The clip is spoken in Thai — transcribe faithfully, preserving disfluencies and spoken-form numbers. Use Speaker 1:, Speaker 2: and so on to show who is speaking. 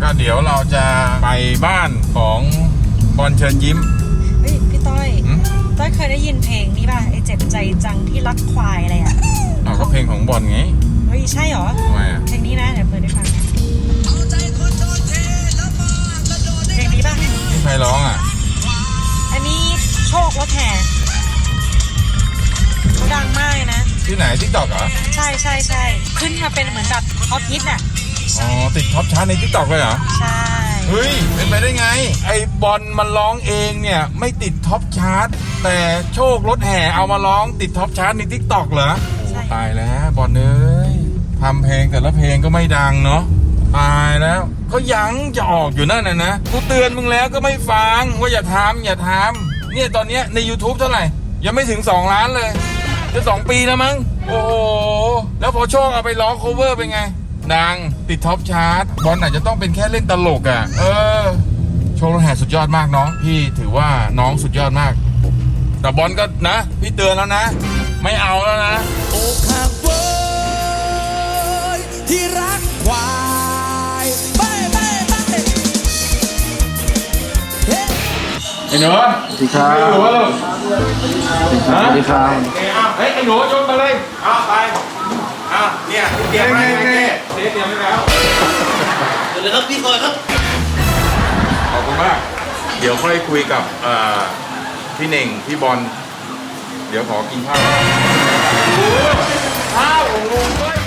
Speaker 1: ก็เดี๋ยวเราจะไปบ้านของบอลเชิญยิ้ม
Speaker 2: เฮ้ยพี่ต้อยต้อยเคยได้ยินเพลงนี้ป่ะไอเจ็บใจจังที่รักควายอะไรอ่ะ
Speaker 1: อ๋อก็เพลงของบอลไง
Speaker 2: เฮ้ยใช่เหรอ
Speaker 1: ทำไมอ่ะ
Speaker 2: เพลงนี้นะเดี๋ยวเปิดให้ฟังนะเพลงนี้ป่ะ
Speaker 1: นี่ใครร้องอ่ะ
Speaker 2: อันนี้โชครถแห่เขาดังมากเลยนะ
Speaker 1: ที่ไหนทิกตอกเหรอ
Speaker 2: ใช่ใช่ใช่ขึ้นมาเป็นเหมือนแบบท็อปฮิตอ่ะ
Speaker 1: อ๋อติดท็อปชาร์ตในทิกตอกเลยเหรอ
Speaker 2: ใช่
Speaker 1: เฮ้ยเป็นไปได้ไงไอ้บอลมันร้องเองเนี่ยไม่ติดท็อปชาร์ตแต่โชครถแห่เอามาร้องติดท็อปชาร์ตในทิกตอกเหรอโอ้ตายแล้วบอลเอ้ยทำเพลงแต่ละเพลงก็ไม่ดังเนาะตายแล้วก็ยังจะออกอยู่นั่นน่ะนะกูเตือนมึงแล้วก็ไม่ฟังว่าอย่าทำอย่าทำเนี่ยตอนเนี้ยใน YouTube เท่าไหร่ยังไม่ถึงสองล้านเลยจะสองปีแล้วมั้งโอ้โหแล้วพอโชคเอาไปร้องโคเวอร์เป็นไงดังติดท็อปชาร์ตบอลอาจจะต้องเป็นแค่เล่นตลกอ่ะเออโชครถแห่สุดยอดมากน้องพี่ถือว่าน้องสุดยอดมากแต่บอลก็นะพี่เตือนแล้วนะไม่เอาแล้วนะ
Speaker 3: โอ้ข้าเว้ยที่รักควายไปไปไป
Speaker 1: ไอ้หนูสวัสดีครับไอ้หนูลูกสวัสดีครับเฮ้ยไอ้หนูโยนมาเลยเอาไปอ่ะเนี่ยเตรียมไว้ไงเตรียมไว้แล้ว
Speaker 3: เดี๋ยวเลยครับพี่คอยครับ
Speaker 1: ขอบคุณมากเดี๋ยวค่อยคุยกับพี่เน่งพี่บอลเดี๋ยวขอกินข้าวข้าวของลุงด้วย